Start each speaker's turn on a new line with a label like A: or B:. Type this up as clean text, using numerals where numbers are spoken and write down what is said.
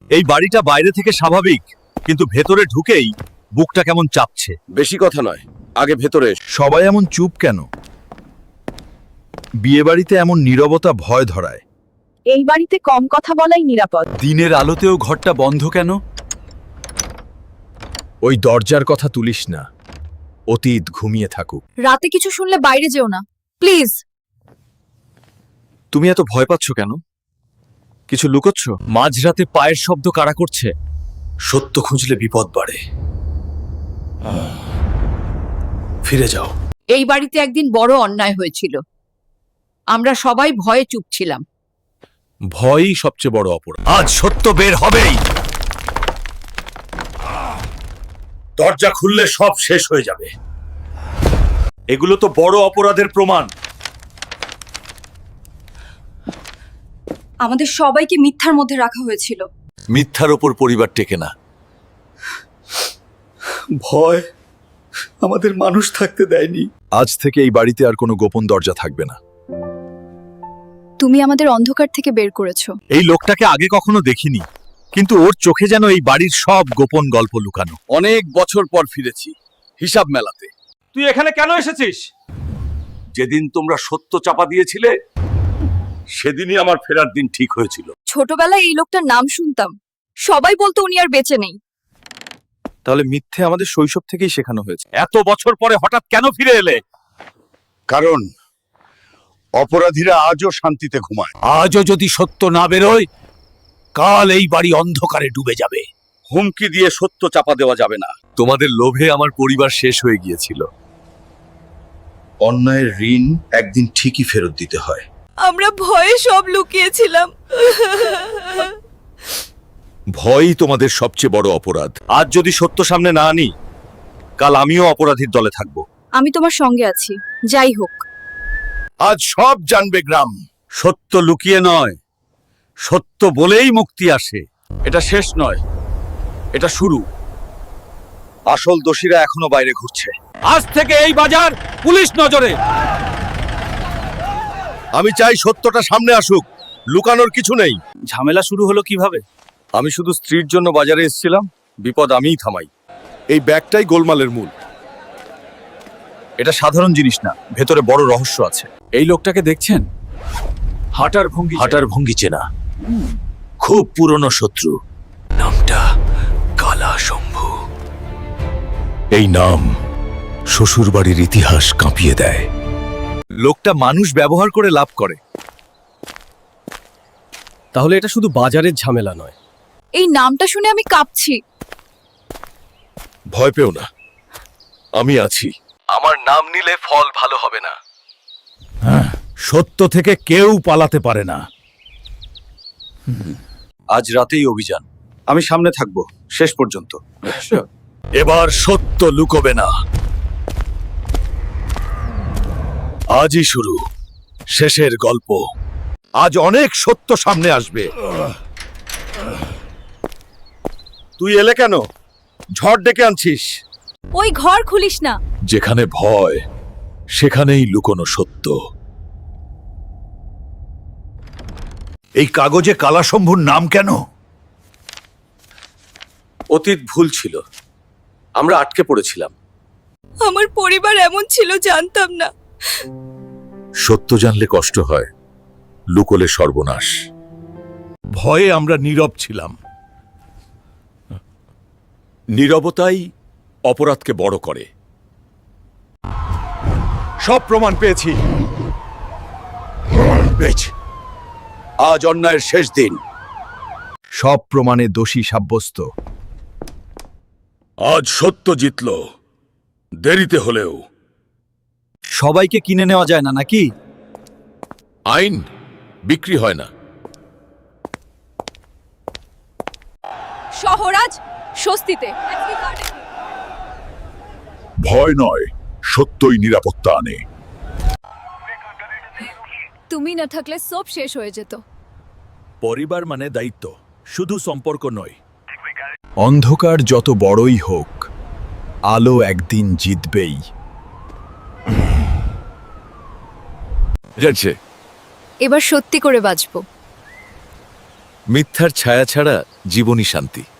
A: এই বাড়িটা বাইরে থেকে স্বাভাবিক, কিন্তু ভেতরে ঢুকেই বুকটা কেমন চাপছে।
B: বেশি কথা নয়, আগে ভেতরে এসো।
A: সবাই এমন চুপ কেন? বিয়ে বাড়িতে এমন নীরবতা ভয় ধরায়।
C: এই বাড়িতে কম কথা বলাই নিরাপদ।
A: দিনের আলোতেও ঘরটা বন্ধ কেন? ওই দরজার কথা তুলিস না, অতীত ঘুমিয়ে থাকুক।
C: রাতে কিছু শুনলে বাইরে যেও না, প্লিজ।
A: তুমি এত ভয় পাচ্ছ কেন? কিছু লুকোচ্ছ? মাঝরাতে পায়ের শব্দ কারা করছে? সত্য খুঁজলে বিপদ বাড়ে। ফিরে যাও।
D: এই বাড়িতে একদিন বড় অন্যায় হয়েছিল, আমরা সবাই ভয়ে চুপ ছিলাম।
A: ভয়ই সবচেয়ে বড় অপরাধ। আজ সত্য বের হবেই। দরজা খুললে সব শেষ হয়ে যাবে। এগুলো তো বড় অপরাধের প্রমাণ।
C: আমাদের সবাইকে মিথ্যার মধ্যে রাখা হয়েছিল।
A: মিথ্যার ওপর পরিবার টেকে না। ভয় আমাদের মানুষ থাকতে দেয়নি। আজ থেকে এই বাড়িতে আর কোনো গোপন দরজা থাকবে না।
C: তুমি আমাদের অন্ধকার থেকে বের করেছো।
A: এই লোকটাকে আগে কখনো দেখিনি, কিন্তু ওর চোখে যেন এই বাড়ির সব গোপন গল্প লুকানো।
B: অনেক বছর পর ফিরেছি হিসাব মেলাতে।
A: তুই এখানে কেন এসেছিস? যেদিন তোমরা সত্য চাপা দিয়েছিলে, সেদিনই আমার ফেরার দিন ঠিক হয়েছিল।
C: ছোটবেলায় এই লোকটার নাম শুনতাম, সবাই বলতো উনি আর বেঁচে নেই।
A: তাহলে মিথ্যে আমাদের শৈশব থেকেই শেখানো হয়েছে। এত বছর পরে হঠাৎ কেন ফিরে এলে?
B: কারণ অপরাধীরা আজও শান্তিতে ঘুমায়।
A: আজও যদি সত্য না বেরোয়, কাল এই বাড়ি অন্ধকারে ডুবে যাবে।
B: হুমকি দিয়ে সত্য চাপা দেওয়া যাবে না।
A: তোমাদের লোভে আমার পরিবার শেষ হয়ে গিয়েছিল। অন্যায়ের ঋণ একদিন ঠিকই ফেরত দিতে হয়।
C: আমরা ভয়ে সব লুকিয়েছিলাম।
A: ভয়ই তোমাদের সবচেয়ে বড় অপরাধ। আজ যদি সত্য সামনে না আনি, কাল আমিও অপরাধীর দলে থাকব।
C: আমি তোমার সঙ্গে আছি, যাই হোক।
A: আজ সব জানবে গ্রাম। সত্য লুকিয়ে নয়, সত্য বলেই মুক্তি আসে। এটা শেষ নয়, এটা শুরু। আসল দোষীরা এখনো বাইরে ঘুরছে। আজ থেকে এই বাজার পুলিশ নজরে। আমি চাই সত্যটা সামনে আসুক, লুকানোর কিছু নেই। ঝামেলা শুরু হলো কিভাবে? আমি শুধু স্ত্রীর জন্য বাজারে এসেছিলাম, বিপদ আমিই থামাই। এই ব্যাগটাই গোলমালের মূল। এটা সাধারণ জিনিস না, ভেতরে বড় রহস্য আছে। এই লোকটাকে দেখছেন? হাঁটার ভঙ্গি চেনা। খুব পুরনো শত্রু। নামটা কালা শম্ভু। এই নাম শ্বশুরবাড়ির ইতিহাস কাঁপিয়ে দেয়। লোকটা মানুষ ব্যবহার করে লাভ করে।
E: তাহলে এটা শুধু বাজারের ঝামেলা নয়।
C: এই নামটা শুনে আমি কাঁপছি।
A: ভয় পেও না, আমি আছি। আমার নাম নিলে ফল ভালো হবে না। সত্য থেকে কেউ পালাতে পারে না। আজ রাতেই অভিযান। আমি সামনে থাকবো শেষ পর্যন্ত। এবার সত্য লুকোবে না। আজই শুরু, শেষের গল্প। আজ অনেক সত্য সামনে আসবে। তুই এলে কেন? ঝড় ডেকে আনছিস?
C: ওই ঘর খুলিস না।
A: যেখানে ভয়, সেখানেই লুকোনো সত্য। এই কাগজে কালাশম্ভুর নাম কেন? অতীত ভুল ছিল, আমরা আটকে পড়েছিলাম।
C: আমার পরিবার এমন ছিল জানতাম না।
A: সত্য জানলে কষ্ট হয়, লুকোলে সর্বনাশ। ভয়ে আমরা নীরব ছিলাম। নীরবতাই অপরাধকে বড় করে। সব প্রমাণ পেয়েছি। আজ অন্যায়ের শেষ দিন। সব প্রমাণে দোষী সাব্যস্ত। আজ সত্য জিতল, দেরিতে হলেও। সবাইকে কিনে নেওয়া যায় না নাকি? আইন বিক্রি হয় না।
C: শহরাজ স্বস্তিতে।
A: ভয় নয়, সত্যই নিরাপত্তা আনে।
C: তুমি না থাকলে সব শেষ হয়ে যেত।
A: পরিবার মানে দায়িত্ব, শুধু সম্পর্ক নয়। অন্ধকার যত বড়ই হোক, আলো একদিন জিতবেই।
C: এবার সত্যি করে বাঁচবো।
A: মিথ্যার ছায়া ছাড়া জীবনী শান্তি।